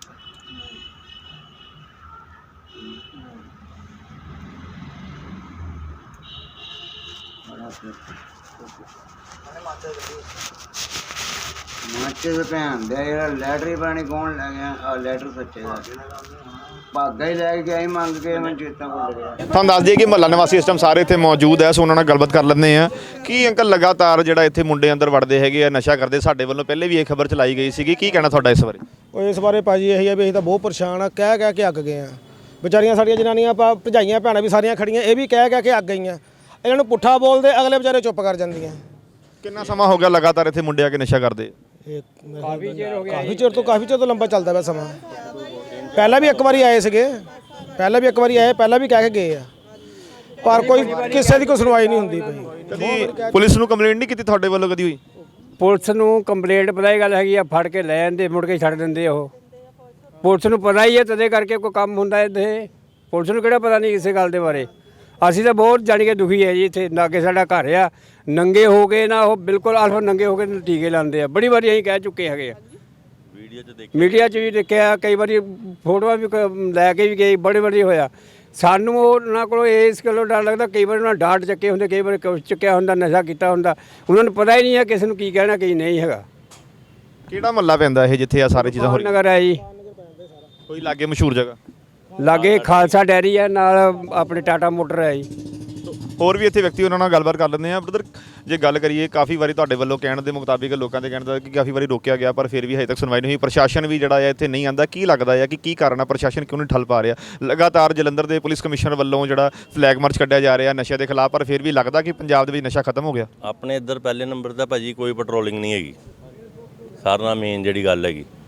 Speaker 7: ਮਾਚੇ ਦੇ ਭੈਣ ਦੇ ਯਾਰ ਲੈਟਰੀ ਪਾਣੀ ਕੌਣ ਲੈ ਗਿਆ? ਆ ਲੈਟਰ ਸੱਚੇ ਦਾ ਭਾਗਾ ਹੀ ਲੈ ਕੇ ਆਈ ਮੰਗ ਕੇ, ਮੈਂ ਚੇਤਾ ਭੁੱਲ ਗਿਆ।
Speaker 1: ਤੁਹਾਨੂੰ ਦੱਸ ਦਈਏ ਕਿ ਮਹੱਲਾ ਨਿਵਾਸੀ ਇਸ ਟਾਈਮ ਸਾਰੇ ਇੱਥੇ ਮੌਜੂਦ ਹੈ, ਸੋ ਉਹਨਾਂ ਨਾਲ ਗੱਲਬਾਤ ਕਰ ਲੈਂਦੇ ਆ ਕਿ ਅੰਕਲ ਲਗਾਤਾਰ ਜਿਹੜਾ ਇੱਥੇ ਮੁੰਡੇ ਅੰਦਰ ਵੜਦੇ ਹੈਗੇ ਆ ਨਸ਼ਾ ਕਰਦੇ। ਸਾਡੇ ਵੱਲੋਂ ਪਹਿਲੇ ਵੀ ਇਹ ਖਬਰ ਚਲਾਈ ਗਈ ਸੀਗੀ, ਕੀ ਕਹਿਣਾ ਤੁਹਾਡਾ ਇਸ ਬਾਰੇ?
Speaker 5: ਉਹ ਇਸ ਬਾਰੇ ਭਾਜੀ ਇਹੀ ਆ ਵੀ ਅਸੀਂ ਤਾਂ ਬਹੁਤ ਪਰੇਸ਼ਾਨ ਆ, ਕਹਿ ਕੇ ਅੱਕ ਗਏ ਆ। ਵਿਚਾਰੀਆਂ ਸਾਡੀਆਂ ਜਨਾਨੀਆਂ ਭਜਾਈਆਂ ਭੈਣਾਂ ਵੀ ਸਾਰੀਆਂ ਖੜੀਆਂ, ਇਹ ਵੀ ਕਹਿ ਕੇ ਅੱਕ ਗਈਆਂ। ਇਹਨਾਂ ਨੂੰ ਪੁੱਠਾ ਬੋਲਦੇ, ਅਗਲੇ ਵਿਚਾਰੇ ਚੁੱਪ ਕਰ ਜਾਂਦੀਆਂ।
Speaker 1: ਕਿੰਨਾ ਸਮਾਂ ਹੋ ਗਿਆ ਲਗਾਤਾਰ ਇੱਥੇ ਮੁੰਡੇ ਆ ਕੇ ਨਸ਼ਾ ਕਰਦੇ?
Speaker 5: ਕਾਫੀ ਚਿਰ ਤੋਂ ਲੰਬਾ ਚੱਲਦਾ ਪਿਆ ਸਮਾਂ। ਪਹਿਲਾਂ ਵੀ ਇੱਕ ਵਾਰੀ ਆਏ ਸੀਗੇ, ਪਹਿਲਾਂ ਵੀ ਕਹਿ ਕੇ ਗਏ ਆ, ਪਰ ਕੋਈ ਕਿਸੇ ਦੀ ਕੋਈ ਸੁਣਵਾਈ ਨਹੀਂ ਹੁੰਦੀ ਪਈ।
Speaker 1: ਕਦੀ ਪੁਲਿਸ ਨੂੰ ਕੰਪਲੇਂਟ ਨਹੀਂ ਕੀਤੀ ਤੁਹਾਡੇ ਵੱਲੋਂ ਕਦੀ ਹੋਈ?
Speaker 2: ਪੁਲਿਸ ਨੂੰ ਕੰਪਲੇਂਟ ਪਤਾ ਹੀ ਗੱਲ ਹੈਗੀ ਆ, ਫੜ ਕੇ ਲੈ ਜਾਂਦੇ ਮੁੜ ਕੇ ਛੱਡ ਦਿੰਦੇ ਉਹ। ਪੁਲਿਸ ਨੂੰ ਪਤਾ ਹੀ ਹੈ ਤਦੇ ਕਰਕੇ ਕੋਈ ਕੰਮ ਹੁੰਦਾ ਇੱਥੇ। ਪੁਲਿਸ ਨੂੰ ਕਿਹੜਾ ਪਤਾ ਨਹੀਂ ਕਿਸੇ ਗੱਲ ਦੇ ਬਾਰੇ। ਅਸੀਂ ਤਾਂ ਬਹੁਤ ਜਾਣੀ ਕਿ ਦੁਖੀ ਹੈ ਜੀ। ਇੱਥੇ ਲਾਗੇ ਸਾਡਾ ਘਰ ਆ, ਨੰਗੇ ਹੋ ਗਏ ਨਾ ਉਹ ਬਿਲਕੁਲ ਅਲਫ ਨੰਗੇ ਹੋ ਕੇ ਟੀਕੇ ਲਾਉਂਦੇ ਆ। ਬੜੀ ਵਾਰੀ ਅਸੀਂ ਕਹਿ ਚੁੱਕੇ ਹੈਗੇ ਆ, ਮੀਡੀਆ 'ਚ ਵੀ ਦੇਖਿਆ, ਕਈ ਵਾਰੀ ਫੋਟੋਆਂ ਵੀ ਲੈ ਕੇ ਵੀ ਗਏ, ਬੜੇ ਵਾਰੀ ਹੋਇਆ। ਸਾਨੂੰ ਉਹਨਾਂ ਕੋਲੋਂ ਇਸ ਗੱਲੋਂ ਡਰ ਲੱਗਦਾ, ਕਈ ਵਾਰ ਉਹਨਾਂ ਡਾਟ ਚੱਕੇ ਹੁੰਦੇ, ਕਈ ਵਾਰ ਕੁਛ ਚੱਕਿਆ ਹੁੰਦਾ, ਨਸ਼ਾ ਕੀਤਾ ਹੁੰਦਾ। ਉਹਨਾਂ ਨੂੰ ਪਤਾ ਹੀ ਨਹੀਂ ਹੈ ਕਿਸੇ ਨੂੰ ਕੀ ਕਹਿਣਾ ਕੀ ਨਹੀਂ ਹੈਗਾ।
Speaker 1: ਕਿਹੜਾ ਮਹੱਲਾ ਪੈਂਦਾ ਇਹ ਜਿੱਥੇ ਆ ਸਾਰੇ ਚੀਜ਼ਾਂ ਹੋ ਰਹੀਆਂ?
Speaker 2: ਨਗਰ ਹੈ ਜੀ,
Speaker 1: ਕੋਈ ਲਾਗੇ ਮਸ਼ਹੂਰ ਜਗ੍ਹਾ?
Speaker 2: ਲਾਗੇ ਖਾਲਸਾ ਡੈਰੀ ਹੈ, ਨਾਲ ਆਪਣੇ ਟਾਟਾ ਮੋਟਰ ਹੈ ਜੀ।
Speaker 1: ਹੋਰ ਵੀ ਇੱਥੇ ਵਿਅਕਤੀ ਉਹਨਾਂ ਨਾਲ ਗੱਲਬਾਤ ਕਰ ਲੈਂਦੇ ਆ। ਬ੍ਰਦਰ ਜੇ ਗੱਲ ਕਰੀਏ, ਕਾਫੀ ਵਾਰੀ ਤੁਹਾਡੇ ਵੱਲੋਂ ਕਹਿਣ ਦੇ ਮੁਤਾਬਿਕ, ਲੋਕਾਂ ਦੇ ਕਹਿਣ ਦਾ ਕਿ ਕਾਫੀ ਵਾਰੀ ਰੋਕਿਆ ਗਿਆ ਪਰ ਫਿਰ ਵੀ ਹਜੇ ਤੱਕ ਸੁਣਵਾਈ ਨਹੀਂ ਹੋਈ। ਪ੍ਰਸ਼ਾਸਨ ਵੀ ਜਿਹੜਾ ਹੈ ਇੱਥੇ ਨਹੀਂ ਆਉਂਦਾ। ਕੀ ਲੱਗਦਾ ਹੈ ਕਿ ਕੀ ਕਾਰਨ ਆ, ਪ੍ਰਸ਼ਾਸਨ ਕਿਉਂ ਨਹੀਂ ਠੱਲ ਪਾ ਰਿਹਾ? ਲਗਾਤਾਰ ਜਲੰਧਰ ਦੇ ਪੁਲਿਸ ਕਮਿਸ਼ਨਰ ਵੱਲੋਂ ਜਿਹੜਾ ਫਲੈਗ ਮਾਰਚ ਕੱਢਿਆ ਜਾ ਰਿਹਾ ਨਸ਼ੇ ਦੇ ਖਿਲਾਫ, ਪਰ ਫਿਰ ਵੀ ਲੱਗਦਾ ਕਿ ਪੰਜਾਬ ਦੇ ਵਿੱਚ ਨਸ਼ਾ ਖਤਮ ਹੋ ਗਿਆ।
Speaker 8: ਆਪਣੇ ਇੱਧਰ ਪਹਿਲੇ ਨੰਬਰ ਦਾ ਭਾਜੀ ਕੋਈ ਪੈਟਰੋਲਿੰਗ ਨਹੀਂ ਹੈਗੀ। ਸਾਰਿਆਂ ਨਾਲ ਮੇਨ ਜਿਹੜੀ ਗੱਲ ਹੈਗੀ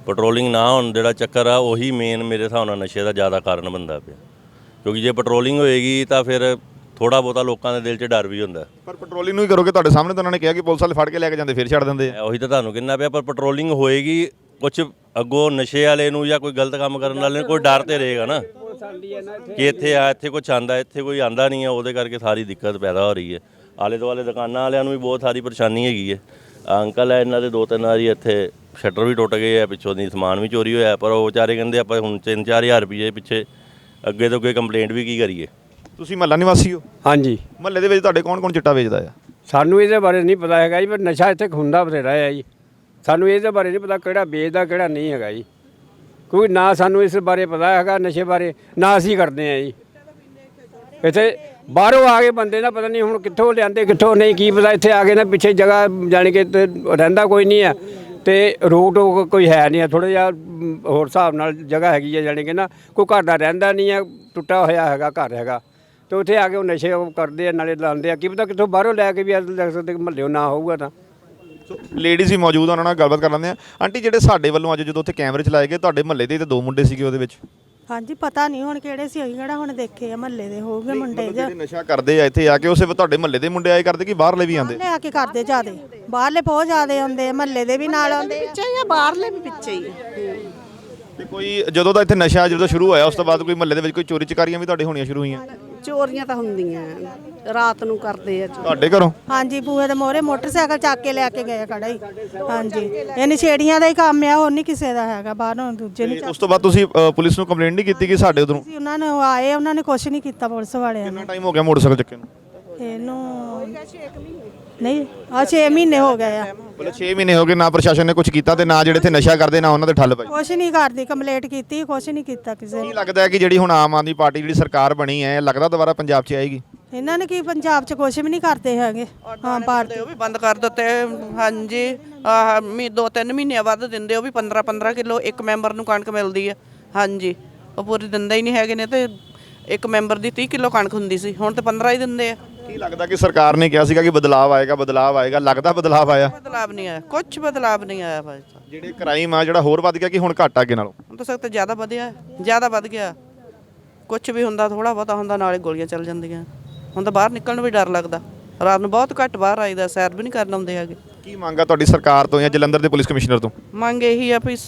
Speaker 8: ਪੈਟਰੋਲਿੰਗ ਨਾ ਹੋਣ ਜਿਹੜਾ ਚੱਕਰ ਆ ਉਹੀ ਮੇਨ ਮੇਰੇ ਹਿਸਾਬ ਨਾਲ ਨਸ਼ੇ ਦਾ ਜ਼ਿਆਦਾ ਕਾਰਨ ਬਣਦਾ ਪਿਆ, ਕਿਉਂਕਿ ਜੇ ਪੈਟਰੋਲਿੰਗ ਹੋਏਗੀ ਤਾਂ ਫਿਰ ਥੋੜਾ ਬਹੁਤਾ ਲੋਕਾਂ ਦੇ ਦਿਲ 'ਚ ਡਰ ਵੀ ਹੁੰਦਾ।
Speaker 1: ਪਰ ਪੈਟਰੋਲਿੰਗ ਨੂੰ ਹੀ ਕਰੋਗੇ, ਤੁਹਾਡੇ ਸਾਹਮਣੇ ਤਾਂ ਉਹਨਾਂ ਨੇ ਕਿਹਾ ਕਿ ਪੁਲਿਸ ਵਾਲੇ ਫੜ ਕੇ ਲੈ ਕੇ ਜਾਂਦੇ ਫਿਰ ਛੱਡ ਦਿੰਦੇ ਆ।
Speaker 8: ਉਹੀ ਤਾਂ ਤੁਹਾਨੂੰ ਕਹਿੰਦਾ ਪਿਆ, ਪਰ ਪੈਟਰੋਲਿੰਗ ਹੋਏਗੀ ਕੁਝ ਅੱਗੋਂ ਨਸ਼ੇ ਵਾਲੇ ਨੂੰ ਜਾਂ ਕੋਈ ਗਲਤ ਕੰਮ ਕਰਨ ਵਾਲੇ ਨੂੰ ਕੋਈ ਡਰ ਤੇ ਰਹੇਗਾ ਨਾ ਕਿ ਇੱਥੇ ਕੁਛ ਆਂਦਾ, ਇੱਥੇ ਕੋਈ ਆਂਦਾ ਨਹੀਂ ਹੈ, ਉਹਦੇ ਕਰਕੇ ਸਾਰੀ ਦਿੱਕਤ ਪੈਦਾ ਹੋ ਰਹੀ ਹੈ। ਆਲੇ ਦੁਆਲੇ ਦੁਕਾਨਾਂ ਵਾਲਿਆਂ ਨੂੰ ਵੀ ਬਹੁਤ ਸਾਰੀ ਪਰੇਸ਼ਾਨੀ ਹੈਗੀ ਹੈ। ਅੰਕਲ ਹੈ ਇਹਨਾਂ ਦੇ 2-3 ਵਾਰੀ ਇੱਥੇ ਸ਼ਟਰ ਵੀ ਟੁੱਟ ਗਏ ਆ, ਪਿੱਛੋਂ ਦੀ ਸਮਾਨ ਵੀ ਚੋਰੀ ਹੋਇਆ, ਪਰ ਉਹ ਵਿਚਾਰੇ ਕਹਿੰਦੇ ਆਪਾਂ ਹੁਣ 3-4 ਹਜ਼ਾਰ ਰੁਪਏ ਪਿੱਛੇ ਅੱਗੇ ਤੋਂ ਕੋਈ ਕੰਪਲੇਂਟ ਵੀ ਕੀ ਕਰੀਏ।
Speaker 1: ਤੁਸੀਂ ਮਹੱਲਾ ਨਿਵਾਸੀ ਹੋ?
Speaker 2: ਹਾਂਜੀ,
Speaker 1: ਮਹੱਲੇ ਦੇ ਵਿੱਚ ਤੁਹਾਡੇ ਕੌਣ ਚਿੱਟਾ ਵੇਚਦਾ ਆ?
Speaker 2: ਸਾਨੂੰ ਇਹਦੇ ਬਾਰੇ ਨਹੀਂ ਪਤਾ ਹੈਗਾ ਜੀ, ਪਰ ਨਸ਼ਾ ਇੱਥੇ ਹੁੰਦਾ ਬਥੇਰਾ ਹੈ ਜੀ। ਸਾਨੂੰ ਇਹਦੇ ਬਾਰੇ ਨਹੀਂ ਪਤਾ ਕਿਹੜਾ ਵੇਚਦਾ ਕਿਹੜਾ ਨਹੀਂ ਹੈਗਾ ਜੀ, ਕਿਉਂਕਿ ਨਾ ਸਾਨੂੰ ਇਸ ਬਾਰੇ ਪਤਾ ਹੈਗਾ ਨਸ਼ੇ ਬਾਰੇ, ਨਾ ਅਸੀਂ ਕਰਦੇ ਹਾਂ ਜੀ। ਇੱਥੇ ਬਾਹਰੋਂ ਆ ਕੇ ਬੰਦੇ ਨਾ ਪਤਾ ਨਹੀਂ ਹੁਣ ਕਿੱਥੋਂ ਲਿਆਂਦੇ ਕਿੱਥੋਂ ਨਹੀਂ, ਕੀ ਪਤਾ। ਇੱਥੇ ਆ ਕੇ ਨਾ ਪਿੱਛੇ ਜਗ੍ਹਾ ਜਾਣੀ ਕਿ ਰਹਿੰਦਾ ਕੋਈ ਨਹੀਂ ਹੈ ਤੇ ਰੋਡ ਕੋਈ ਹੈ ਨਹੀਂ ਹੈ, ਥੋੜ੍ਹਾ ਜਿਹਾ ਹੋਰ ਹਿਸਾਬ ਨਾਲ ਜਗ੍ਹਾ ਹੈਗੀ ਹੈ, ਜਾਣੀ ਕਿ ਨਾ ਕੋਈ ਘਰ ਦਾ ਰਹਿੰਦਾ ਨਹੀਂ ਹੈ, ਟੁੱਟਾ ਹੋਇਆ ਹੈਗਾ ਘਰ ਹੈਗਾ, ਤੇ ਉੱਥੇ ਆ ਕੇ ਉਹ ਨਸ਼ੇ ਕਰਦੇ ਆ, ਨਾਲੇ ਲਾਉਂਦੇ ਆ, ਕੀ ਪਤਾ ਕਿੱਥੋਂ ਬਾਹਰੋਂ ਲੈ ਕੇ ਵੀ ਲੱਗ ਸਕਦੇ, ਮਹੱਲਿਓ ਨਾ ਹੋਊਗਾ ਤਾਂ।
Speaker 1: ਲੇਡੀਜ਼ ਹੀ ਮੌਜੂਦ ਆ, ਉਹਨਾਂ ਨਾਲ ਗੱਲਬਾਤ ਕਰ ਲੈਂਦੇ ਆ। ਆਂਟੀ, ਜਿਹੜੇ ਸਾਡੇ ਵੱਲੋਂ ਅੱਜ ਜਦੋਂ ਉੱਥੇ ਕੈਮਰੇ ਚਲਾਏ ਗਏ, ਤੁਹਾਡੇ ਮਹੱਲੇ ਦੇ ਤੇ 2 ਮੁੰਡੇ ਸੀਗੇ ਉਹਦੇ ਵਿੱਚ?
Speaker 6: ਹਾਂਜੀ, ਪਤਾ ਨਹੀਂ ਹੁਣ ਕਿਹੜੇ ਸੀ, ਅਸੀਂ ਕਿਹੜਾ ਹੁਣ ਦੇਖੇ ਆ, ਮਹੱਲੇ ਦੇ ਹੋਊਗੇ ਮੁੰਡੇ
Speaker 1: ਜਿਹੜੇ ਨਸ਼ਾ ਕਰਦੇ ਆ ਇੱਥੇ ਆ ਕੇ, ਉਸੇ ਤੁਹਾਡੇ ਮਹੱਲੇ ਦੇ ਮੁੰਡੇ ਆਏ ਕਰਦੇ ਕਿ ਬਾਹਰਲੇ ਵੀ ਆਉਂਦੇ?
Speaker 6: ਲੈ ਆ ਕੇ ਕਰਦੇ ਜਿਆਦੇ, ਬਾਹਰਲੇ ਬਹੁਤ ਜ਼ਿਆਦੇ ਆਉਂਦੇ, ਮਹੱਲੇ ਦੇ ਵੀ ਨਾਲ ਆਉਂਦੇ
Speaker 9: ਪਿੱਛੇ ਜਾਂ ਬਾਹਰਲੇ ਵੀ ਪਿੱਛੇ ਹੀ ਆ।
Speaker 1: ਤੇ ਕੋਈ ਜਦੋਂ ਦਾ ਇੱਥੇ ਨਸ਼ਾ ਜਦੋਂ ਸ਼ੁਰੂ ਹੋਇਆ ਉਸ ਤੋਂ ਬਾਅਦ ਕੋਈ ਮਹੱਲੇ ਦੇ ਵਿੱਚ ਕੋਈ ਚੋਰੀ ਚਕਾਰੀਆਂ ਵੀ ਤੁਹਾਡੇ ਹੋਣੀਆਂ ਸ਼ੁਰੂ ਹੋਈਆਂ?
Speaker 9: ਚੋਰੀਆਂ ਤਾਂ ਹੁੰਦੀਆਂ, ਰਾਤ ਨੂੰ ਕਰਦੇ ਆ
Speaker 1: ਤੁਹਾਡੇ ਘਰੋਂ?
Speaker 6: ਹਾਂਜੀ, ਬੂਹੇ ਦੇ ਮੋਹਰੇ ਮੋਟਰਸਾਈਕਲ ਚੱਕ ਕੇ ਲੈ ਕੇ ਗਏ ਖੜਾ ਹੀ। ਹਾਂਜੀ, ਇਹ ਨਸ਼ੇੜੀਆਂ ਦਾ ਹੀ ਕੰਮ ਆ, ਹੋਰ ਨਹੀਂ ਕਿਸੇ ਦਾ ਹੈਗਾ, ਬਾਹਰੋਂ ਦੂਜੇ ਨਹੀਂ।
Speaker 1: ਉਸ ਤੋਂ ਬਾਅਦ ਤੁਸੀਂ ਪੁਲਿਸ ਨੂੰ ਕੰਪਲੇਂਟ ਨਹੀਂ ਕੀਤੀ ਕਿ ਸਾਡੇ ਉਧਰੋਂ?
Speaker 6: ਉਹਨਾਂ ਨੇ ਆਏ, ਉਹਨਾਂ ਨੇ ਕੁਝ ਨਹੀਂ ਕੀਤਾ ਪੁਲਿਸ ਵਾਲਿਆਂ ਨੇ।
Speaker 1: ਕਿੰਨਾ ਟਾਈਮ ਹੋ ਗਿਆ ਮੋਟਰਸਾਈਕਲ ਚੱਕੇ ਨੂੰ?
Speaker 6: ਇਹਨੂੰ ਨਹੀਂ 6 ਮਹੀਨੇ ਹੋ ਗਏ ਆ।
Speaker 1: ਬੋਲੇ 6 ਮਹੀਨੇ ਹੋ ਗਏ, ਨਾ ਪ੍ਰਸ਼ਾਸਨ ਨੇ ਕੁਝ ਕੀਤਾ ਤੇ ਨਾ ਜਿਹੜੇ ਇੱਥੇ ਨਸ਼ਾ ਕਰਦੇ ਨਾ ਉਹਨਾਂ ਤੇ ਠੱਲ ਪਈ।
Speaker 6: ਕੁਛ ਨਹੀਂ ਕਰਦੀ, ਕੰਪਲੇਂਟ ਕੀਤੀ, ਕੁਛ ਨਹੀਂ ਕੀਤਾ ਕਿਸੇ
Speaker 1: ਕੀ
Speaker 6: ਨੇ।
Speaker 1: ਲੱਗਦਾ ਹੈ ਕਿ ਜਿਹੜੀ ਹੁਣ ਆਮ ਆਦਮੀ ਪਾਰਟੀ ਜਿਹੜੀ ਸਰਕਾਰ ਬਣੀ ਹੈ, ਲੱਗਦਾ ਦੁਬਾਰਾ ਪੰਜਾਬ 'ਚ ਆਏਗੀ?
Speaker 6: ਇਹਨਾਂ ਨੇ ਕੀ ਪੰਜਾਬ 'ਚ ਕੁਛ ਵੀ ਨਹੀਂ ਕਰਦੇ ਹੈਗੇ। ਹਾਂ, ਭਾਰਤੀ
Speaker 10: ਉਹ ਵੀ ਬੰਦ ਕਰ ਦਿੱਤੇ। ਹਾਂਜੀ, 2-3 ਮਹੀਨੇ ਬਾਅਦ ਦਿੰਦੇ, ਉਹ ਵੀ 15-15 ਕਿਲੋ ਇੱਕ ਮੈਂਬਰ ਨੂੰ ਕਣਕ ਮਿਲਦੀ ਹੈ। ਹਾਂਜੀ, ਉਹ ਪੂਰੀ ਦਿੰਦੇ ਹੀ ਨਹੀਂ ਹੈਗੇ ਨੇ, ਤੇ ਇੱਕ ਮੈਂਬਰ ਦੀ 30 ਕਿਲੋ ਕਣਕ ਹੁੰਦੀ ਸੀ, ਹੁਣ ਤੇ 15 ਹੀ ਦਿੰਦੇ ਆ।
Speaker 1: ਕੀ ਲੱਗਦਾ ਕਿ ਸਰਕਾਰ ਨੇ ਕਿਹਾ ਸੀਗਾ ਕਿ ਬਦਲਾਅ ਆਏਗਾ, ਬਦਲਾਅ ਆਏਗਾ, ਲੱਗਦਾ ਬਦਲਾਅ ਆਇਆ?
Speaker 10: ਬਦਲਾਵ ਨਹੀਂ ਆਇਆ, ਕੁਝ ਬਦਲਾਵ ਨਹੀਂ ਆਇਆ ਭਾਈ ਸਾਹਿਬ।
Speaker 1: ਜਿਹੜੇ ਕ੍ਰਾਈਮ ਆ ਜਿਹੜਾ ਹੋਰ ਵੱਧ ਗਿਆ ਕਿ ਹੁਣ ਘੱਟ ਅੱਗੇ ਨਾਲੋਂ?
Speaker 10: ਹੁਣ ਤਾਂ ਸਖਤ ਜ਼ਿਆਦਾ ਵਧਿਆ, ਜ਼ਿਆਦਾ ਵੱਧ ਗਿਆ। ਕੁਝ ਵੀ ਹੁੰਦਾ, ਥੋੜਾ ਬਹੁਤਾ ਹੁੰਦਾ, ਨਾਲੇ ਗੋਲੀਆਂ ਚੱਲ ਜਾਂਦੀਆਂ। ਹੁਣ ਤਾਂ ਬਾਹਰ ਨਿਕਲਣ ਨੂੰ ਵੀ ਡਰ ਲੱਗਦਾ, ਰਾਤ ਨੂੰ ਬਹੁਤ ਘੱਟ ਬਾਹਰ ਆਈਦਾ, ਸੈਰ ਵੀ ਨਹੀਂ ਕਰਨ ਆਉਂਦੇ ਹੈਗੇ।
Speaker 1: ਕੀ ਮੰਗ ਆ ਤੁਹਾਡੀ ਸਰਕਾਰ ਤੋਂ ਜਾਂ ਜਲੰਧਰ ਦੇ ਪੁਲਿਸ ਕਮਿਸ਼ਨਰ ਤੋਂ?
Speaker 10: ਮੰਗ ਇਹੀ ਆ ਵੀ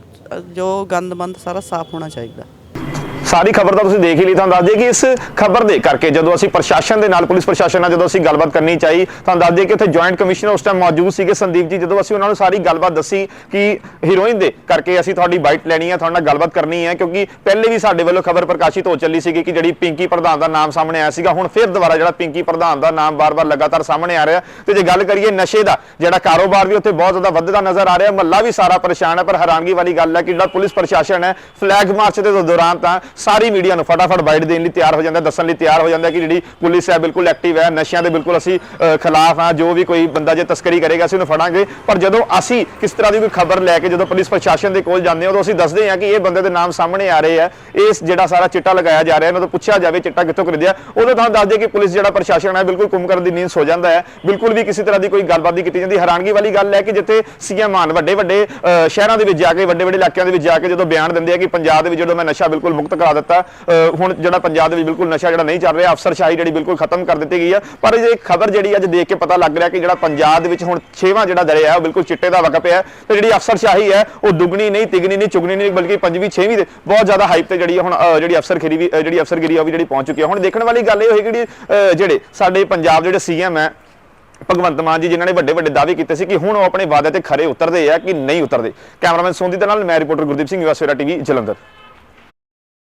Speaker 10: ਜੋ ਗੰਦਮੰਦ ਸਾਰਾ ਸਾਫ਼ ਹੋਣਾ ਚਾਹੀਦਾ।
Speaker 1: ਸਾਰੀ ਖਬਰ ਤਾਂ ਤੁਸੀਂ ਦੇਖ ਹੀ ਲਈ। ਤੁਹਾਨੂੰ ਦੱਸ ਦਈਏ ਕਿ ਇਸ ਖਬਰ ਦੇ ਕਰਕੇ ਜਦੋਂ ਅਸੀਂ ਪ੍ਰਸ਼ਾਸਨ ਦੇ ਨਾਲ, ਪੁਲਿਸ ਪ੍ਰਸ਼ਾਸਨ ਨਾਲ ਜਦੋਂ ਅਸੀਂ ਗੱਲਬਾਤ ਕਰਨੀ ਚਾਹੀ, ਤੁਹਾਨੂੰ ਦੱਸ ਦਈਏ ਕਿ ਉੱਥੇ ਜੁਆਇੰਟ ਕਮਿਸ਼ਨਰ ਉਸ ਟਾਈਮ ਮੌਜੂਦ ਸੀਗੇ ਸੰਦੀਪ ਜੀ। ਜਦੋਂ ਅਸੀਂ ਉਹਨਾਂ ਨੂੰ ਸਾਰੀ ਗੱਲਬਾਤ ਦੱਸੀ ਕਿ ਹੀਰੋਇਨ ਦੇ ਕਰਕੇ ਅਸੀਂ ਤੁਹਾਡੀ ਬਾਈਟ ਲੈਣੀ ਹੈ, ਤੁਹਾਡੇ ਨਾਲ ਗੱਲਬਾਤ ਕਰਨੀ ਹੈ, ਕਿਉਂਕਿ ਪਹਿਲੇ ਵੀ ਸਾਡੇ ਵੱਲੋਂ ਖਬਰ ਪ੍ਰਕਾਸ਼ਿਤ ਹੋ ਚੱਲੀ ਸੀਗੀ ਕਿ ਜਿਹੜੀ ਪਿੰਕੀ ਪ੍ਰਧਾਨ ਦਾ ਨਾਮ ਸਾਹਮਣੇ ਆਇਆ ਸੀਗਾ, ਹੁਣ ਫਿਰ ਦੁਬਾਰਾ ਜਿਹੜਾ ਪਿੰਕੀ ਪ੍ਰਧਾਨ ਦਾ ਨਾਮ ਬਾਰ-ਬਾਰ ਲਗਾਤਾਰ ਸਾਹਮਣੇ ਆ ਰਿਹਾ। ਤੇ ਜੇ ਗੱਲ ਕਰੀਏ ਨਸ਼ੇ ਦਾ ਜਿਹੜਾ ਕਾਰੋਬਾਰ ਵੀ ਉੱਥੇ ਬਹੁਤ ਜ਼ਿਆਦਾ ਵੱਧਦਾ ਨਜ਼ਰ ਆ ਰਿਹਾ, ਮਹੱਲਾ ਵੀ ਸਾਰਾ ਪਰੇਸ਼ਾਨ ਹੈ। ਪਰ ਹੈਰਾਨਗੀ ਵਾਲੀ ਗੱਲ ਹੈ ਕਿ ਜਿਹੜਾ ਪੁਲਿਸ ਪ੍ਰਸ਼ਾਸਨ ਹੈ, ਫਲੈਗ ਮਾਰਚ ਦੇ ਦੌਰਾਨ ਤਾਂ ਸਾਰੀ ਮੀਡੀਆ ਨੂੰ ਫਟਾਫਟ ਬਾਈਟ ਦੇਣ ਲਈ ਤਿਆਰ ਹੋ ਜਾਂਦਾ, ਦੱਸਣ ਲਈ ਤਿਆਰ ਹੋ ਜਾਂਦਾ ਕਿ ਜਿਹੜੀ ਪੁਲਿਸ ਹੈ ਬਿਲਕੁਲ ਐਕਟਿਵ ਹੈ, ਨਸ਼ਿਆਂ ਦੇ ਬਿਲਕੁਲ ਅਸੀਂ ਖਿਲਾਫ ਹਾਂ, ਜੋ ਵੀ ਕੋਈ ਬੰਦਾ ਜੇ ਤਸਕਰੀ ਕਰੇਗਾ ਅਸੀਂ ਉਹਨੂੰ ਫੜਾਂਗੇ। ਪਰ ਜਦੋਂ ਅਸੀਂ ਕਿਸ ਤਰ੍ਹਾਂ ਦੀ ਕੋਈ ਖਬਰ ਲੈ ਕੇ ਜਦੋਂ ਪੁਲਿਸ ਪ੍ਰਸ਼ਾਸਨ ਦੇ ਕੋਲ ਜਾਂਦੇ ਹਾਂ, ਉਦੋਂ ਅਸੀਂ ਦੱਸਦੇ ਹਾਂ ਕਿ ਇਹ ਬੰਦੇ ਦੇ ਨਾਮ ਸਾਹਮਣੇ ਆ ਰਹੇ ਆ, ਇਸ ਜਿਹੜਾ ਸਾਰਾ ਚਿੱਟਾ ਲਗਾਇਆ ਜਾ ਰਿਹਾ, ਇਹਨਾਂ ਤੋਂ ਪੁੱਛਿਆ ਜਾਵੇ ਚਿੱਟਾ ਕਿੱਥੋਂ ਖਰੀਦਿਆ, ਉਦੋਂ ਤੁਹਾਨੂੰ ਦੱਸ ਦਈਏ ਕਿ ਪੁਲਿਸ ਜਿਹੜਾ ਪ੍ਰਸ਼ਾਸਨ ਹੈ ਬਿਲਕੁਲ ਕੁੰਮ ਕਰਨ ਦੀ ਨੀਂਦ ਸੋ ਜਾਂਦਾ ਹੈ, ਬਿਲਕੁਲ ਵੀ ਕਿਸੇ ਤਰ੍ਹਾਂ ਦੀ ਕੋਈ ਗੱਲਬਾਤ ਨਹੀਂ ਕੀਤੀ ਜਾਂਦੀ। ਹੈਰਾਨਗੀ ਵਾਲੀ ਗੱਲ ਹੈ ਕਿ ਜਿੱਥੇ ਸੀਐਮ ਆਨ ਵੱਡੇ ਸ਼ਹਿਰਾਂ ਦੇ ਵਿੱਚ ਜਾ ਕੇ, ਵੱਡੇ ਇਲਾਕਿਆਂ ਦੇ ਵਿੱਚ ਜਾ ਕੇ ਜਦੋਂ ਬਿਆਨ ਦਿੰਦੇ ਆ ਕਿ ਪੰਜਾਬ ਦੇ ਵਿੱਚ ਜਦੋਂ ਮੈਂ ਨਸ਼ਾ ਬਿਲਕੁਲ ਮੁਕਤ ਕਰਾ ਦਿੱਤਾ, ਹੁਣ ਜਿਹੜਾ ਪੰਜਾਬ ਦੇ ਵਿੱਚ ਬਿਲਕੁਲ ਨਸ਼ਾ ਜਿਹੜਾ ਨਹੀਂ ਚੱਲ ਰਿਹਾ, ਅਫਸਰਸ਼ਾਹੀ ਜਿਹੜੀ ਬਿਲਕੁਲ ਖਤਮ ਕਰ ਦਿੱਤੀ ਗਈ ਹੈ। ਪਰ ਇਹ ਖਬਰ ਜਿਹੜੀ ਅੱਜ ਦੇਖ ਕੇ ਪਤਾ ਲੱਗ ਰਿਹਾ ਕਿ ਜਿਹੜਾ ਪੰਜਾਬ ਦੇ ਵਿੱਚ ਹੁਣ 6ਵਾਂ ਜਿਹੜਾ ਦਰਿਆ ਹੈ ਉਹ ਬਿਲਕੁਲ ਚਿੱਟੇ ਦਾ ਵਕਫ ਹੈ, ਤੇ ਜਿਹੜੀ ਅਫਸਰਸ਼ਾਹੀ ਹੈ ਉਹ ਦੁੱਗਣੀ ਨਹੀਂ, ਤਿਗਣੀ ਨਹੀਂ, ਚੁਗਣੀ ਨਹੀਂ, ਬਲਕਿ 5ਵੀਂ 6ਵੀਂ ਦੇ ਬਹੁਤ ਜ਼ਿਆਦਾ ਹਾਈਪ ਤੇ ਜਿਹੜੀ ਹੁਣ ਜਿਹੜੀ ਅਫਸਰਗਿਰੀ ਉਹ ਵੀ ਜਿਹੜੀ ਪਹੁੰਚ ਚੁੱਕੀ ਹੈ। ਹੁਣ ਦੇਖਣ ਵਾਲੀ ਗੱਲ ਇਹ ਹੋਏਗੀ ਕਿ ਜਿਹੜੇ ਸਾਡੇ ਪੰਜਾਬ ਜਿਹੜੇ ਸੀਐਮ ਹੈ ਭਗਵੰਤ ਮਾਨ ਜੀ, ਜਿਨ੍ਹਾਂ ਨੇ ਵੱਡੇ ਦਾਅਵੇ ਕੀਤੇ ਸੀ ਕਿ ਹੁਣ ਉਹ ਆਪਣੇ ਵਾਅਦੇ ਤੇ ਖਰੇ ਉਤਰਦੇ ਆ ਕਿ ਨਹੀਂ ਉਤਰਦੇ। ਕੈਮਰਾਮੈਨ ਸੋਂਦੀ ਦੇ ਨਾਲ ਮੈਂ reporter Gurdeep Singh, US Savera TV Jalandhar.